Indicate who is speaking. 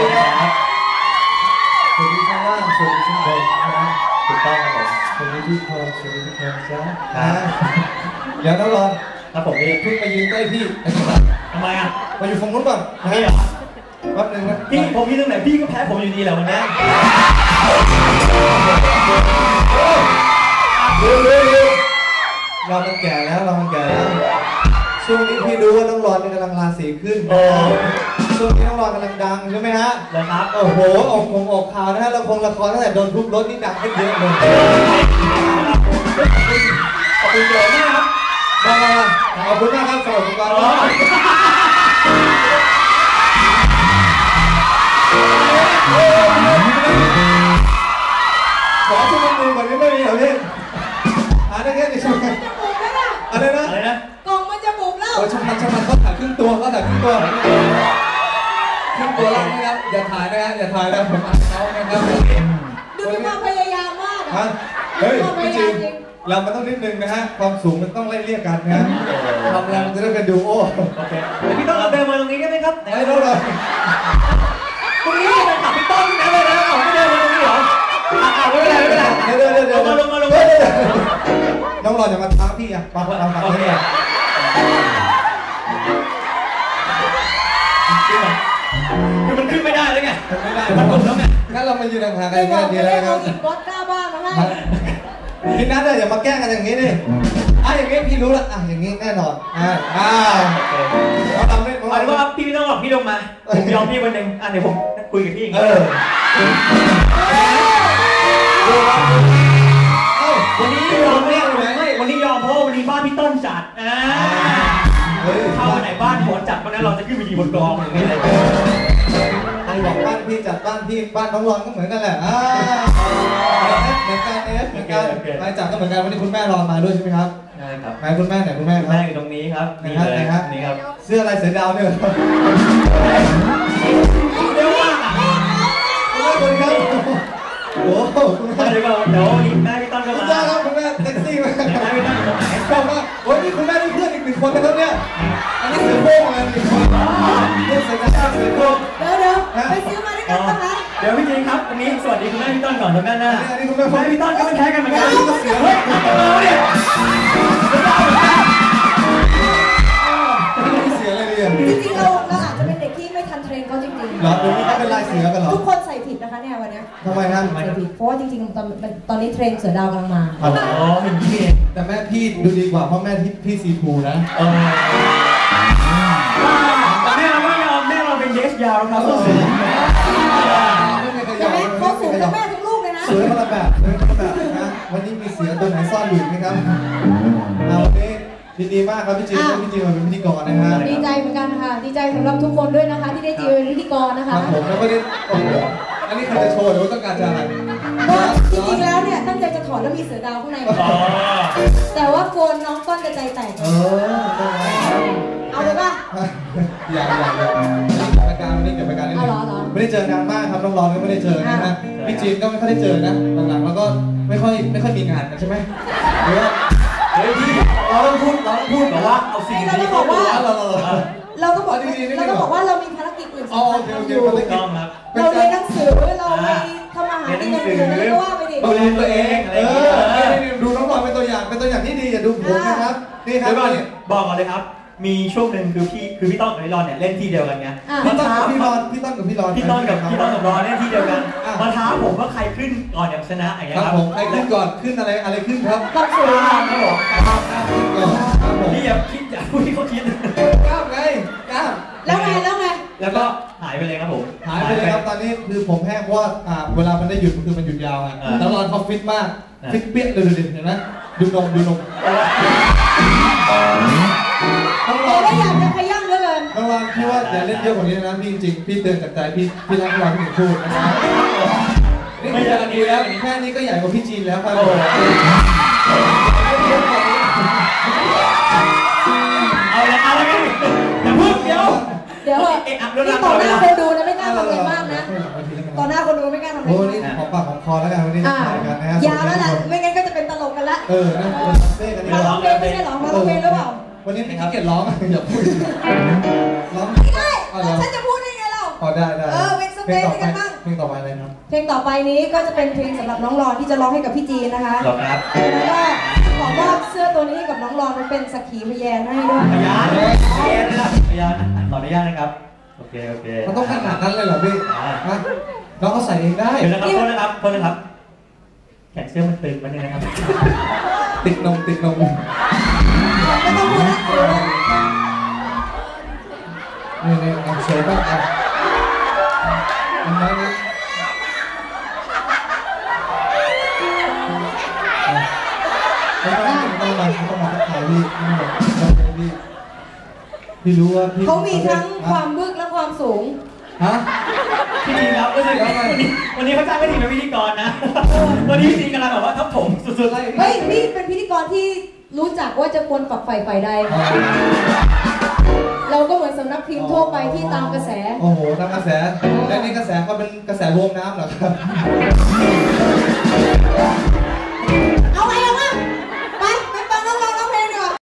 Speaker 1: ครับสวัสดีข้างล่างสวัสดีข้างบนนะถูกต้องครับผมสวัสดีทุกคนสวัสดีทุกคนจ้าเดี๋ยวน้องรอนครับผมเพิ่งมายืนใกล้พี่ทำไมอ่ะมาอยู่ฝั่งนู้นก่อนนี่เหรอแป๊บนึงนะพี่ผมยืนตรงไหนพี่ก็แพ้ผมอยู่ดีแหละวันนี้เร็วเรามันแก่แล้วช่วงนี้พี่รู้ว่าน้องรอนกำลังราศีขึ้นช่วงนี้น้องรอนกำลังดังใช่ไหมฮะเลยครับโอ้โหออกข่าวนะฮะละครตั้งแต่โดนทุบรถนี่ดังขึ้นเยอะเลยขอบคุณเยอะมากครับขอบคุณมากครับสวัสดีครับขอชั่วโมงนึงก่อนไม่มีเหรอพี่ได้แค่นี้ใช่ไหมอะไรนะ
Speaker 2: กล่องมันจะบุบแล้ว
Speaker 1: ช่างมันเขาถ่ายครึ่งตัวล่างนะครับอย่าถ่ายนะผมอ่านเขานะครับ
Speaker 2: ดูมีความพยายามมาก
Speaker 1: ฮะเฮ้ยจริงเรามันต้องนิดนึงนะฮะความสูงมันต้องไล่เรียกกันนะทำแล้วมันจะได้เป็นดูโอเคพี่ต้องเอาเดินมาตรงนี้ได้ไหมครับได้เลยตรงนี้เป็นขับพี่ต้นนะเลยนะไม่เดินมาตรงนี้เหรอไม่เป็นไรเดี๋ยวลงมาน้องรอจะมาท้าพี่อ่ะมาเอามาเลยคือมันขึ้นไม่ได้เลยไงมันกดแล้วไงงั้นเรามายืนห่างๆกันอย่างเดียวเลยครับ
Speaker 2: รถกล้าบ้างนะ
Speaker 1: พี่นัทอย่ามาแกล้งกันอย่างนี้ดิอย่างนี้พี่รู้ละอย่างนี้แน่นอนเราทำได้
Speaker 3: เอาว่าพี่ไม่ต้องหรอกพี่ลงมาผมยอมพี่วันหนึ่งเดี๋ยวผมคุยกับพี่วันนี้ยอมวันนี้ยอมเพราะวันนี้บ้านพี่ต้นจัดถ้าวันไหนบ้านผมจัดวันนั้นเราจะขึ้นไปยืนบนกองอย่างนี้เลย
Speaker 1: ใครบอกบ้านพี่จัดบ้านพี่บ้านน้องรอนก็เหมือนกันแหละเหมือนกันใครจัดก็เหมือนกันวันนี้คุณแม่รอนมาด้วยใช่ไหมครับ
Speaker 3: ใช่ครับ
Speaker 1: ไหนคุณแม่ไหนคุณแม่ครับ
Speaker 3: แม่อยู่ตรงนี้ครับ
Speaker 1: นี่ครับเสื้ออะไรเสือดาวเนี่ย
Speaker 3: เร็วมาก
Speaker 1: คุณแม่โอ้โหคุณแม่
Speaker 3: เดี๋ยววันนี้แม่พี่ต้นก็มา
Speaker 1: ครับคุณแม่เซ็กซี่มาก
Speaker 3: แม่พี่ต้นอยู่ตรงไหน
Speaker 1: ชอบมากโอ้ยนี่คุณแม่นี่เพื่อนอีก1 คนนะครับเนี่ยอันนี้เสือโค้งอะไร1 คนเสือดาวเสือโค้ง
Speaker 2: เดี๋ยวไปซื้อมาด้วยกันนะคะ
Speaker 3: เดี๋ยวพี่จริงครับวันนี้สวัสดีคุณแม่พี่ต้นก่อนตรงด้านหน้า
Speaker 1: อันนี้คุณแม่
Speaker 3: พี่ต้นก็ไม่แพ้กันเหมือนกัน
Speaker 1: เสือเฮ้ย
Speaker 2: เนี่ย
Speaker 1: เสืออะไรเนี่ย
Speaker 2: จริงๆเราอาจจะเป็นเด็กที่ไม่ทันเทรนก็จริงๆ
Speaker 1: เหรอเดี๋ยวนี้เขาเป็นลายเสือกันเหรอ
Speaker 2: ทุกคนใส่ผิดนะคะเนี่ยวันนี้
Speaker 1: ทำไมครับ
Speaker 2: ใส่ผิดเพราะว่าจริงๆตอนนี้เทรนเสือดาวกำลังมา
Speaker 3: เป็นพี่
Speaker 1: แต่แม่พี่ดูดีกว่าเพราะแม่พี่ซีทูนะ
Speaker 3: แม่เราไม่ยอมแม่เราเป็นเยสยาวครับ
Speaker 2: เขาสูงกับแม่ทั้งลูกเลยนะ
Speaker 1: สวยคนละแบบนะวันนี้มีเสือตัวไหนซ่อนอยู่ไหมครับวันนี้ดีมากครับพี่จีนมาเป็นพิธีกรนะฮะ
Speaker 2: ดีใจเหมือนกันค่ะดีใจสำหรับทุกคนด้วยนะคะที่ได้จีเป็นพิธีกรนะคะ
Speaker 1: ผมแล้วก็ได้อันนี้ใครจะโชว์หรือว่าต้องการจะอะไร
Speaker 2: จริงๆแล้วเนี่ยตั้งใจจะถอดแล้วมีเสือดาวข้างในแต่ว่าโกนน้องต้นจะใจแตกเอาเลยป่ะ
Speaker 1: อย่าประการวันนี้เกิดประการนิดนึงไม่ได้เจอนานมากครับน้องรอนก็ไม่ได้เจอนะฮะพี่จีนก็ไม่ค่อยได้เจอนะหลังๆแล้วก็ไม่ค่อยมีงานกันใช่ไหมหรือว่า
Speaker 3: พี่เราต้องพูดแบบว่าเอาสิ่ง
Speaker 2: ที่เราต้องบอกว่าเราต้องบอกว่าเรามีภารกิจอื่นสำคัญอยู่เราเรียนหนังสือเราไปทำอาหารในหนังสือไม่ว่าไปดิ
Speaker 1: ดูแลตัวเองดูน้องรอนเป็นตัวอย่างที่ดีอย่าดูผมนะครับนี่ครับ
Speaker 3: บอกก่อนเลยครับมีช่วงหนึ่งคือพี่ต้นกับพี่รอนเนี่ยเล่นที่เดียวกันไง
Speaker 1: พี่ต้นกับพี่รอนพี่ต้นกับรอน
Speaker 3: เล่นที่เดียวกันมาท้าผมว่าใครขึ้นก่อนอย่างชนะอย่างเงี้ย
Speaker 1: ครับผมใครขึ้นก่อนขึ้นอะไรขึ้นครับ
Speaker 2: ต้องสูง
Speaker 3: ครับผมพี่อย่าคิดอย่าพูดที่เขาคิด
Speaker 1: ก้าวไงก้าว
Speaker 2: แล้วไง
Speaker 3: แล้วก็หายไปเลยครับผม
Speaker 1: หายไปเลยครับตอนนี้คือผมแห้งเพราะว่าเวลามันได้หยุดคือมันหยุดยาวไงแล้วรอนเขาฟิตมากฟิตเปี้ยเลยเห็นไหมดูนม
Speaker 2: เราได้อยากจะขย้ำเหลือเกิน
Speaker 1: น้องรอนพี่ว่าอย่าเล่นเยอะกว่านี้นะพี่จริงพี่เตือนจากใจพี่รักน้องพี่พูดนะครับนี่ไม่ใช่อันนี้แล้วแค่นี้ก็ใหญ่กว่าพี่จีนแล้วครับ
Speaker 3: เอาละกันอย่าพูดเดี๋ยว
Speaker 2: นี่ต่อหน้าคนดูนะไม่กล้าทำอะไรมากนะต่อหน้าคนดูไม่กล้าทำอะไร
Speaker 1: โอ้นี่ของปากของคอแล้วกันวันนี้กันนะฮะ
Speaker 2: ยาวแล้วแหละไม่งั้นก็จะเป็นตลกกันละ
Speaker 1: นะเต้กันนี่
Speaker 2: ร้องเพลงไม่ใช่ร้องเพลงหรือเปล่า
Speaker 1: วันนี้พี่ขี้เกียจร้องอย่าพูด
Speaker 2: ร้องไม่ได้ฉันจะพูดได้ไงเรา
Speaker 1: ได้
Speaker 2: เป็นโซเตจกันบ้าง
Speaker 1: เพลงต่อไปอะไรครับ
Speaker 2: เพลงต่อไปนี้ก็จะเป็นเพลงสำหรับน้องรอนที่จะร้องให้กับพี่จีนนะคะ
Speaker 3: หรอครับ
Speaker 2: แล้วก็ขอมอบเสื้อตัวนี้ให้กับน้องรอนมันเป็นสักขีพยานให้ด้วย
Speaker 3: พยานนะครับพยานขออนุญาตนะครับโอเค
Speaker 1: มันต้องขนาดนั้นเลยเหรอพี่ฮะน้องเขาใส่เองได้
Speaker 3: เดี๋ยวนะครับโทษนะครับแขนเสื้อมันตึงมันเนี่ยนะครับ
Speaker 1: ติดนม
Speaker 2: ไม่ต้องพูดนะ
Speaker 1: นี่เฉยบ้างอ่ะมันไม่ต้องมาถ่ายพี่รู้ว่าพี่
Speaker 2: เขามีทั้งความบึกและความสูง
Speaker 1: ฮะ
Speaker 3: พี่ดีครับรู้สึกวันนี้เขาจ้างไม่ดีเป็นพิธีกรนะวันนี้จริงกำลังแบบว่าทับถมสุดๆเลย
Speaker 2: เฮ้ยพี่เป็นพิธีกรที่รู้จักว่าจะควรฝักใฝ่ฝ่ายใดเราก็เหมือนสำนักพิมพ์ทั่วไปที่ตามกระแส
Speaker 1: โอ้โหตามกระแสและนี่กระแสก็เป็นกระแสรวมน้ำเหรอครับ